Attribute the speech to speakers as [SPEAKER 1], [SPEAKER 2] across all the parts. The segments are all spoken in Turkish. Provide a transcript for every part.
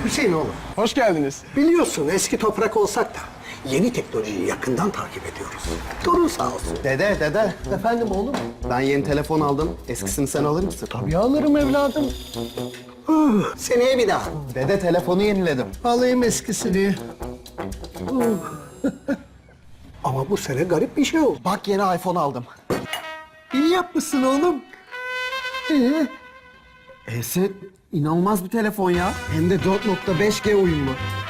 [SPEAKER 1] Hüseyin oğlum,
[SPEAKER 2] Hoş geldiniz.
[SPEAKER 1] biliyorsun eski toprak olsak da yeni teknolojiyi yakından takip ediyoruz. Torun sağ olsun.
[SPEAKER 3] Dede.
[SPEAKER 1] Efendim oğlum?
[SPEAKER 3] Ben yeni telefon aldım. Eskisini sen alır mısın?
[SPEAKER 1] Tabii alırım evladım. Seneye bir daha.
[SPEAKER 3] Dede telefonu yeniledim.
[SPEAKER 1] Alayım eskisini. Ama bu sene garip bir şey oldu.
[SPEAKER 3] Bak yeni iPhone aldım.
[SPEAKER 1] İyi yapmışsın oğlum.
[SPEAKER 3] Eset inanılmaz bir telefon ya. Hem de 4.5G uyumlu.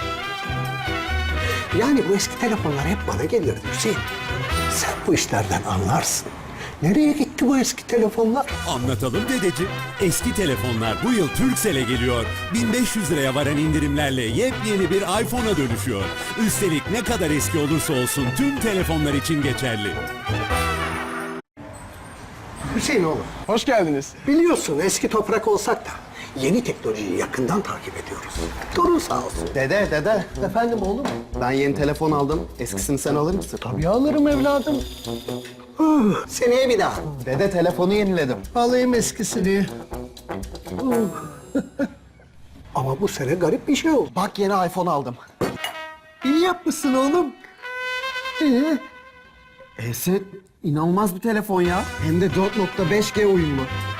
[SPEAKER 1] Yani bu eski telefonlar hep bana gelirdi Hüseyin. Sen bu işlerden anlarsın. Nereye gitti bu eski telefonlar?
[SPEAKER 4] Anlatalım dedeciğim. Eski telefonlar bu yıl Turkcell'e geliyor. 1500 liraya varan indirimlerle yepyeni bir iPhone'a dönüşüyor. Üstelik ne kadar eski olursa olsun tüm telefonlar için geçerli.
[SPEAKER 1] Hüseyin oğlum,
[SPEAKER 2] Hoş geldiniz.
[SPEAKER 1] biliyorsun eski toprak olsak da yeni teknolojiyi yakından takip ediyoruz. Torun sağ olsun.
[SPEAKER 3] Dede.
[SPEAKER 1] Efendim oğlum?
[SPEAKER 3] Ben yeni telefon aldım. Eskisini sen alır mısın?
[SPEAKER 1] Tabii alırım evladım. Seneye bir daha.
[SPEAKER 3] Dede telefonu yeniledim.
[SPEAKER 1] Alayım eskisini. Ama bu sene garip bir şey oldu.
[SPEAKER 3] Bak yeni iPhone aldım.
[SPEAKER 1] İyi yapmışsın oğlum.
[SPEAKER 3] Eset inanılmaz bir telefon ya. Hem de 4.5G uyumlu.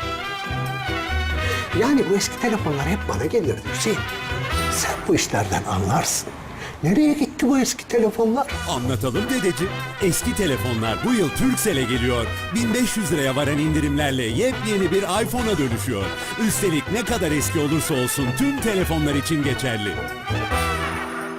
[SPEAKER 1] Yani bu eski telefonlar hep bana gelirdi Hüseyin. Sen bu işlerden anlarsın. Nereye gitti bu eski telefonlar?
[SPEAKER 4] Anlatalım dedeciğim. Eski telefonlar bu yıl Turkcell'e geliyor. 1500 liraya varan indirimlerle yepyeni bir iPhone'a dönüşüyor. Üstelik ne kadar eski olursa olsun tüm telefonlar için geçerli.